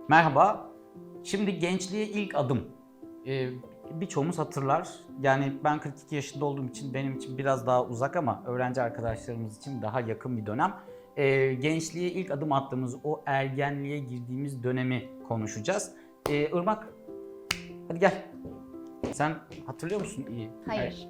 Merhaba. Şimdi gençliğe ilk adım. Birçoğumuz hatırlar. Yani ben 42 yaşında olduğum için benim için biraz daha uzak ama öğrenci arkadaşlarımız için daha yakın bir dönem. Gençliğe ilk adım attığımız o ergenliğe girdiğimiz dönemi konuşacağız. Irmak, hadi gel. Sen hatırlıyor musun iyi? Hayır.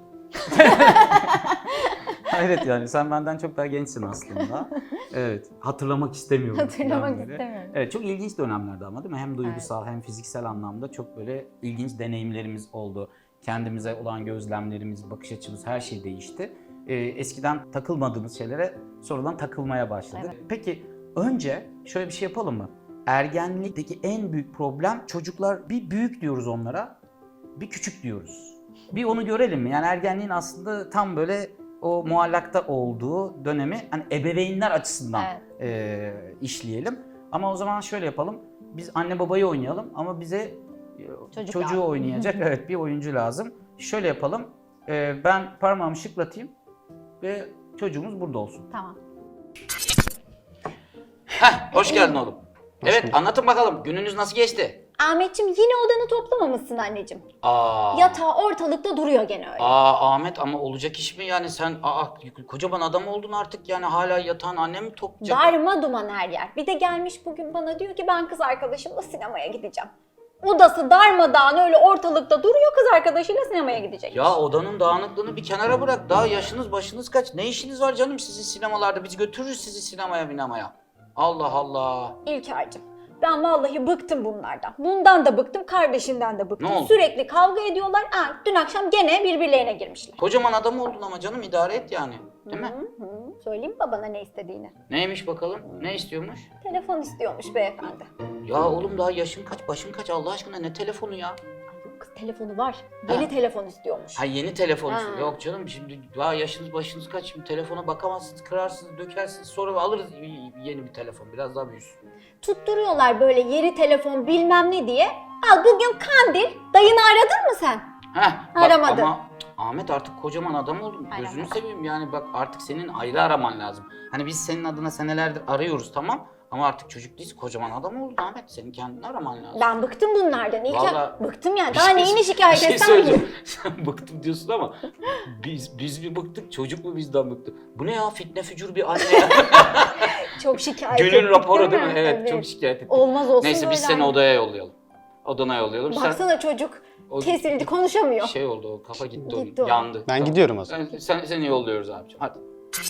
Hayret yani sen benden çok daha gençsin aslında. Evet, hatırlamak istemiyorum. Hatırlamak falan böyle. istemiyorum. Evet, çok ilginç dönemlerdi ama değil mi? Hem duygusal hem fiziksel anlamda çok böyle ilginç deneyimlerimiz oldu. Kendimize olan gözlemlerimiz, bakış açımız her şey değişti. Eskiden takılmadığımız şeylere sonradan takılmaya başladık. Evet. Peki önce şöyle bir şey yapalım mı? Ergenlikteki en büyük problem çocuklar bir büyük diyoruz onlara, bir küçük diyoruz. Bir onu görelim mi? Yani ergenliğin aslında tam böyle o muallakta olduğu dönemi hani ebeveynler açısından işleyelim. Ama o zaman şöyle yapalım. Biz anne babayı oynayalım ama bize çocuğu oynayacak evet bir oyuncu lazım. Şöyle yapalım. Ben parmağımı şıklatayım ve çocuğumuz burada olsun. Tamam. Hoş geldin oğlum. Evet anlatın bakalım gününüz nasıl geçti? Ahmetciğim yine odanı toplamamışsın anneciğim. Aa. Yatağı ortalıkta duruyor gene öyle. Ahmet ama olacak iş mi yani sen kocaman adam oldun artık yani hala yatağın annem mi toplayacak? Darma duman her yer. Bir de gelmiş bugün bana diyor ki ben kız arkadaşımla sinemaya gideceğim. Odası darmadağın öyle ortalıkta duruyor, kız arkadaşıyla sinemaya gidecek. Ya odanın dağınıklığını bir kenara bırak. Daha yaşınız başınız kaç? Ne işiniz var canım sizin sinemalarda? Biz götürürüz sizi sinemaya. Allah Allah. İlker'cim ben vallahi bıktım bunlardan. Bundan da bıktım, kardeşinden de bıktım. Ne oldu? Sürekli kavga ediyorlar. Dün akşam gene birbirlerine girmişler. Kocaman adam oldun ama canım idare et yani. Değil mi? Söyleyeyim mi babana ne istediğini? Neymiş bakalım? Ne istiyormuş? Telefon istiyormuş beyefendi. Ya oğlum daha yaşın kaç, başın kaç Allah aşkına ne telefonu ya? Ay yok kız telefonu var. Yeni telefon istiyormuş. Ha yeni telefon Ha. istiyor. Yok canım şimdi daha yaşınız başınız kaç? Şimdi telefona bakamazsınız, kırarsınız, dökersiniz. Sonra alırız yeni bir telefon. Biraz daha büyüsün. Tutturuyorlar böyle yeni telefon bilmem ne diye. Al bugün kandil. Dayını aradın mı sen? Aramadı. Ama Ahmet artık kocaman adam oldun. Gözünü Aramadı. seveyim yani bak artık senin ayrı araman lazım. Hani biz senin adına senelerdir arıyoruz tamam ama artık çocuk değilsin kocaman adam oldun Ahmet. Senin kendini araman lazım. Ben bıktım bunlardan. İlker Vallahi- bıktım yani. Daha neyini şikayet etsem söyleyeceğim. ki? Sen bıktım diyorsun ama biz mi bıktık çocuk mu bizden bıktı? Bu ne ya fitne fücur bir anne ya. Çok şikayet Günün ettik raporu değil mi? Evet, çok şikayet ettik. Olmaz olsun Neyse biz böyle seni anne. odaya yollayalım. Odana yollayalım. Baksana çocuk O- kesildi konuşamıyor. Şey oldu o kafa gitti, Gitti o. yandı. Ben gidiyorum o zaman. Seni yolluyoruz abiciğim hadi.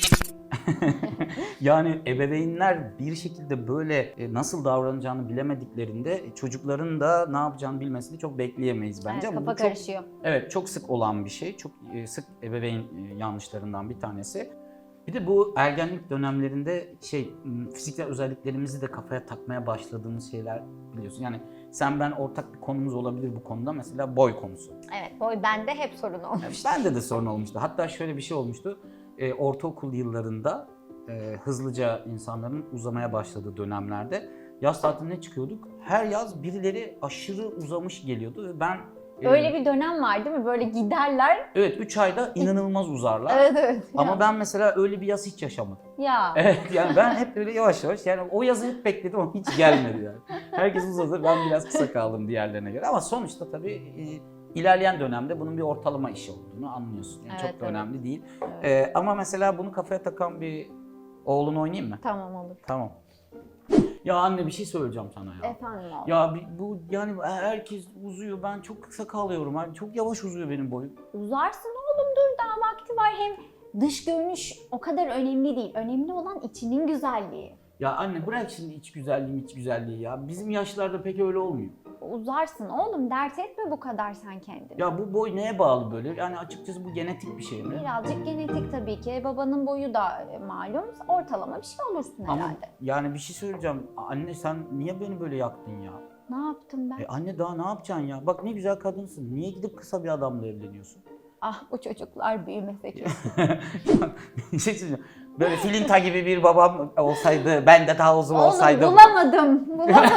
Yani ebeveynler bir şekilde böyle nasıl davranacağını bilemediklerinde çocukların da ne yapacağını bilmesini çok bekleyemeyiz bence. Evet, Ama kafa bu çok, karışıyor. evet çok sık olan bir şey. Çok sık ebeveyn yanlışlarından bir tanesi. Bir de bu ergenlik dönemlerinde fiziksel özelliklerimizi de kafaya takmaya başladığımız şeyler biliyorsun. Yani sen ben ortak bir konumuz olabilir bu konuda mesela boy konusu. Evet boy bende hep sorun olmuş. Bende de sorun olmuştu. Hatta şöyle bir şey olmuştu. Ortaokul yıllarında hızlıca insanların uzamaya başladığı dönemlerde yaz tatiline çıkıyorduk. Her yaz birileri aşırı uzamış geliyordu ve ben Öyle bir dönem var değil mi? Böyle giderler. evet 3 ayda inanılmaz uzarlar. Evet. Ama Ya. ben mesela öyle bir yaz hiç yaşamadım. Ya. Evet yani ben hep böyle yavaş yavaş yani o yazı hep bekledim ama hiç gelmedi yani. Herkes uzadı ben biraz kısa kaldım diğerlerine göre ama sonuçta tabii ilerleyen dönemde bunun bir ortalama işi olduğunu anlıyorsun. Yani Evet, çok da evet. önemli değil. Evet. Ama mesela bunu kafaya takan bir oğlun oynayayım mı? Tamam olur. Tamam. Ya anne bir şey söyleyeceğim sana ya. Efendim oğlum. Ya bu yani herkes uzuyor ben çok kısa kalıyorum. Yani çok yavaş uzuyor benim boyum. Uzarsın oğlum dur daha vakti var. Hem dış görünüş o kadar önemli değil. Önemli olan içinin güzelliği. Ya anne bırak şimdi iç güzelliği ya. Bizim yaşlarda pek öyle olmuyor. Uzarsın oğlum dert etme bu kadar sen kendini. Ya bu boy neye bağlı böyle? Yani açıkçası bu genetik bir şey mi? Birazcık genetik tabii ki. Babanın boyu da malum. Ortalama bir şey olursun Ama herhalde. yani bir şey söyleyeceğim. Anne sen niye beni böyle yaktın ya? Ne yaptım ben? Anne daha ne yapacaksın ya? Bak ne güzel kadınsın. Niye gidip kısa bir adamla evleniyorsun? Ah bu çocuklar büyümese ki. Bir şey söyleyeceğim. Böyle filinta gibi bir babam olsaydı, ben de daha uzun Oğlum olsaydım. bulamadım.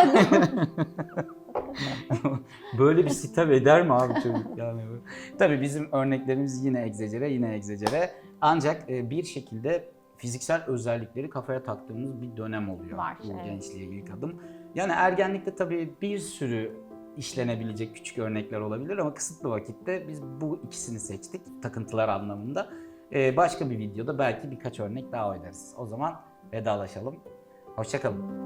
Böyle bir sitem eder mi abi çocuk yani? Tabii bizim örneklerimiz yine egzecere. Ancak bir şekilde fiziksel özellikleri kafaya taktığımız bir dönem oluyor. Var, Bu evet. gençliğe ilk adım. Yani ergenlikte tabii bir sürü işlenebilecek küçük örnekler olabilir ama kısıtlı vakitte biz bu ikisini seçtik takıntılar anlamında. Başka bir videoda belki birkaç örnek daha oynarız. O zaman vedalaşalım. Hoşça kalın.